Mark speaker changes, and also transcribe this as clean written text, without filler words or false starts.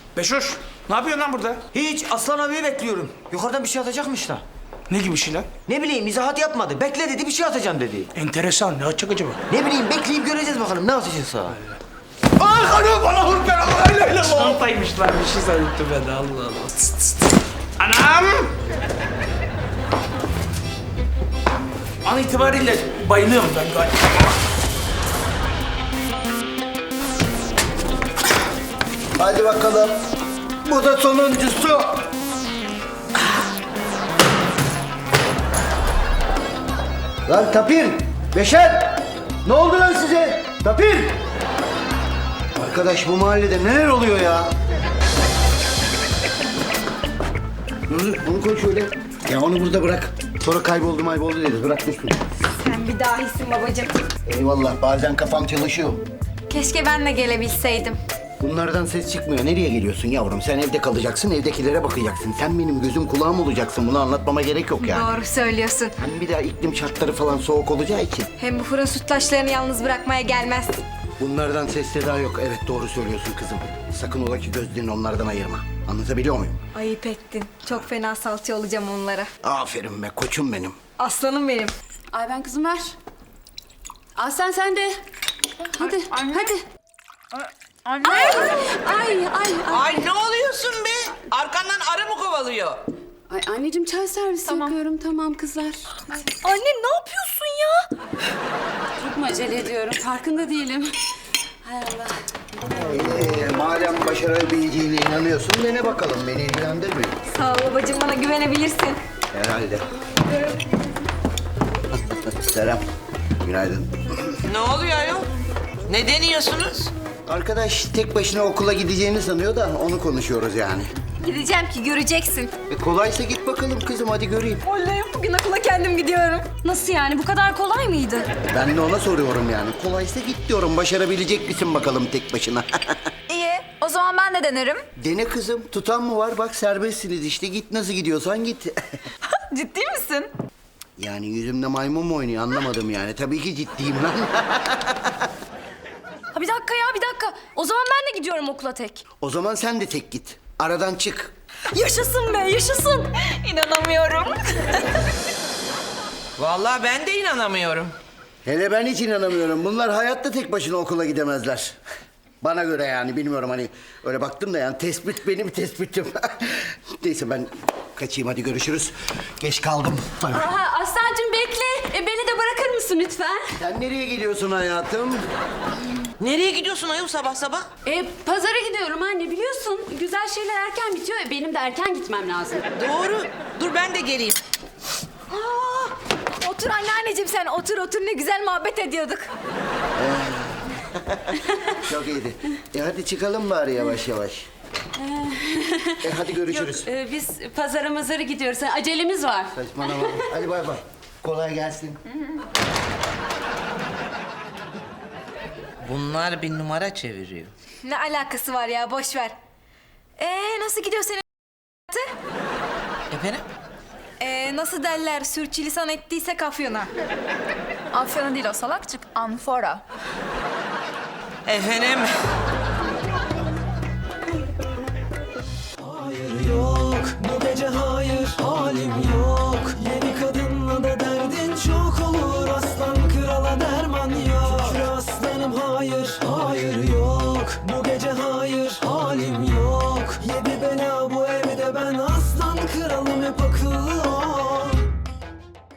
Speaker 1: Beşoş, ne yapıyorsun lan burada?
Speaker 2: Hiç, Aslan abiyi bekliyorum. Yukarıdan bir şey atacakmış da.
Speaker 1: Ne gibi şey lan?
Speaker 2: Ne bileyim, izahat yapmadı. Bekle dedi, bir şey atacağım dedi.
Speaker 1: Enteresan, ne atacak acaba?
Speaker 2: Ne bileyim, bekleyip göreceğiz bakalım ne atacaksa.
Speaker 1: Ay hanım bana vur ben Allah. Çantaymış lan, bir şey zannettim ben de Allah Allah. Tıs, tıs, tıs. Anam! An itibariyle bayılıyorum ben galiba.
Speaker 3: Hadi bakalım. Bu da sonuncusu. Lan Tapir, Beşer. Ne oldu lan size? Tapir. Arkadaş bu mahallede neler oluyor ya? Dur, bunu koy şöyle. Ya onu burada bırak. Sonra kayboldu dedi. Bırak dursun.
Speaker 4: Sen bir dahisin babacığım.
Speaker 3: Eyvallah, bazen kafam çalışıyor.
Speaker 4: Keşke ben de gelebilseydim.
Speaker 3: Bunlardan ses çıkmıyor. Nereye geliyorsun yavrum? Sen evde kalacaksın, evdekilere bakacaksın. Sen benim gözüm kulağım olacaksın. Bunu anlatmama gerek yok yani.
Speaker 4: Doğru söylüyorsun.
Speaker 3: Hani bir daha iklim şartları falan soğuk olacağı için.
Speaker 4: Hem bu fıra sütlaçlarını yalnız bırakmaya gelmez.
Speaker 3: Bunlardan ses seda yok. Evet doğru söylüyorsun kızım. Sakın ola ki gözlerini onlardan ayırma. Anlatabiliyor muyum?
Speaker 4: Ayıp ettin. Çok fena salça olacağım onlara.
Speaker 3: Aferin be koçum benim.
Speaker 4: Aslanım benim.
Speaker 5: Ay ben kızım ver. Aslan sen de. Hadi, hadi.
Speaker 6: Anne.
Speaker 5: Ay.
Speaker 6: Ay ne oluyorsun be? Arkandan arı mı kovalıyor?
Speaker 5: Ay anneciğim çay servisi yapıyorum. Tamam kızlar.
Speaker 4: Anne ne yapıyorsun ya?
Speaker 5: Çok mu acele ediyorum? Farkında değilim. Hay Allah.
Speaker 3: Madem başarabileceğine inanıyorsun dene bakalım. Beni ilgilendirmiyor.
Speaker 4: Sağ ol babacığım, bana güvenebilirsin.
Speaker 3: Herhalde. Selam. Günaydın.
Speaker 6: Ne oluyor ayol? Ne deniyorsunuz?
Speaker 3: Arkadaş tek başına okula gideceğini sanıyor da onu konuşuyoruz yani.
Speaker 4: Gideceğim ki göreceksin.
Speaker 3: Kolaysa git bakalım kızım hadi göreyim.
Speaker 4: Oley, bugün okula kendim gidiyorum. Nasıl yani, bu kadar kolay mıydı?
Speaker 3: Ben de ona soruyorum yani. Kolaysa git diyorum. Başarabilecek misin bakalım tek başına?
Speaker 4: İyi, o zaman ben de denerim.
Speaker 3: Dene kızım. Tutan mı var? Bak serbestsiniz işte. Git nasıl gidiyorsan git.
Speaker 4: Ciddi misin?
Speaker 3: Yani yüzümde maymun mu oynuyor anlamadım yani. Tabii ki ciddiyim lan.
Speaker 4: Ha bir dakika ya, bir dakika. O zaman ben de gidiyorum okula tek.
Speaker 3: O zaman sen de tek git. Aradan çık.
Speaker 4: Yaşasın be, yaşasın. İnanamıyorum.
Speaker 6: Vallahi ben de inanamıyorum.
Speaker 3: Hele ben hiç inanamıyorum. Bunlar hayatta tek başına okula gidemezler. Bana göre yani bilmiyorum hani öyle baktım da yani tespit benim tespitim. Neyse ben kaçayım hadi görüşürüz. Geç kaldım. Bay bay.
Speaker 5: Aha, Aslancığım bekle. Beni de bırakır mısın lütfen?
Speaker 3: Sen nereye gidiyorsun hayatım?
Speaker 6: Nereye gidiyorsun ayol sabah sabah?
Speaker 5: Pazara gidiyorum anne biliyorsun. Güzel şeyler erken bitiyor. Benim de erken gitmem lazım.
Speaker 6: Doğru. Dur ben de geleyim.
Speaker 4: Otur anneanneciğim, sen otur ne güzel muhabbet ediyorduk.
Speaker 3: Çok iyiydi. Hadi çıkalım bari yavaş yavaş. Hadi görüşürüz.
Speaker 5: Biz pazara gidiyoruz. Acelemiz var.
Speaker 3: Saçmalama. Hadi bay bay. Kolay gelsin.
Speaker 6: Bunlar bir numara çeviriyor.
Speaker 4: Ne alakası var ya, boş ver. Nasıl gidiyor senin
Speaker 6: Efendim?
Speaker 4: nasıl derler, sürçülisan ettiyse Afyon'a.
Speaker 7: Afyon'a değil o salakçık, Anfora.
Speaker 6: Efendim?
Speaker 8: Hayır yok, bu gece hayır, halim yok. Yeni kadınla da derdin çok olur. Aslan krala derman yok. Şükür aslanım hayır, hayır yok. Bu gece hayır, halim yok. Yedi bela bu evde ben aslan kralım hep akıl.